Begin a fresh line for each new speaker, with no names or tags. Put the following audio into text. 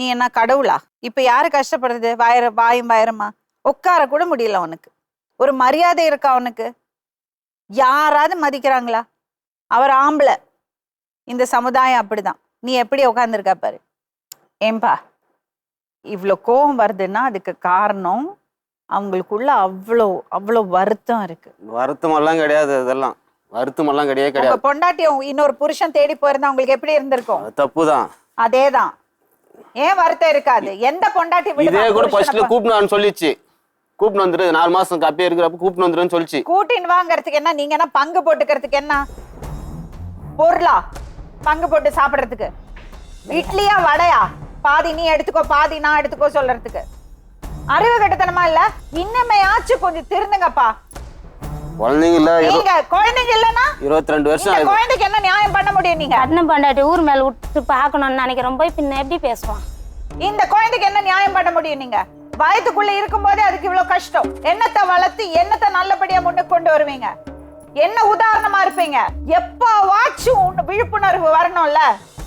நீ என்ன கடவுளா? இப்ப யாரு கஷ்டப்படுறது? வாயும் வயரமா? உட்கார கூட முடியல உனக்கு. ஒரு மரியாதை இருக்கா உனக்கு? யாராவது மதிக்கிறாங்களா? அவர் ஆம்பளை, இந்த சமுதாயம் அப்படிதான். நீ எப்படி உட்காந்துருக்க பாரு. ஏம்பா இவ்வளோ கோபம் வருதுன்னா அதுக்கு காரணம் அவங்களுக்குள்ள அவ்வளோ அவ்வளோ வருத்தம் இருக்கு.
வருத்தம் எல்லாம் கிடையாது, அதெல்லாம் வருத்தம் எல்லாம் கிடையாது
உங்க பொண்டாட்டி இன்னொரு புருஷன் தேடி போயிருந்தா உங்களுக்கு எப்படி இருந்திருக்கும்?
தப்புதான்.
அதேதான். ஏன் வருத்தம் இருக்காது? எந்த பொண்டாட்டி
இதே கூட ஃபர்ஸ்ட்ல கூப்பிட்டு சொல்லிச்சு, கூப்பிட்டு வந்துரு 4 மாசம் அப்படியே இருக்கிறப்ப கூப்பிட்டு வந்துருன்னு சொல்லிச்சு.
கூட்டின்னு வாங்கறதுக்கு என்ன? நீங்க என்ன பங்கு போட்டுக்கிறதுக்கு என்ன பொருளா? பங்கு போட்டு சாப்பிடுறதுக்கு இட்லியா வடையா? பாதி நீ எடுத்துக்கோ பாதி நான் எடுத்துக்கோ சொல்றதுக்கு அறிவு கட்டத்தனமா இல்ல? இன்னமையாச்சும் கொஞ்சம் திருந்துங்கப்பா.
குழந்தைங்க இல்ல,
நீங்க குழந்தைங்க இல்லன்னா
22 வருஷம்
இந்த குழந்தைக்கு என்ன நியாயம் பண்ண முடியும்? நீங்க
அண்ணன் பொண்டாட்டி ஊர் மேல விட்டு பாக்கணும்னு நினைக்கிறோம், போய் பின்ன எப்படி பேசுவான்?
இந்த குழந்தைக்கு என்ன நியாயம் பண்ண முடியும்? நீங்க வயதுக்குள்ள இருக்கும் போதே அதுக்கு இவ்வளவு கஷ்டம். என்னத்தை வளர்த்து என்னத்தை நல்லபடியா முன்னுக்கு கொண்டு வருவீங்க? என்ன உதாரணமா இருப்பீங்க? எப்பவாச்சும் விழிப்புணர்வு வரணும்ல.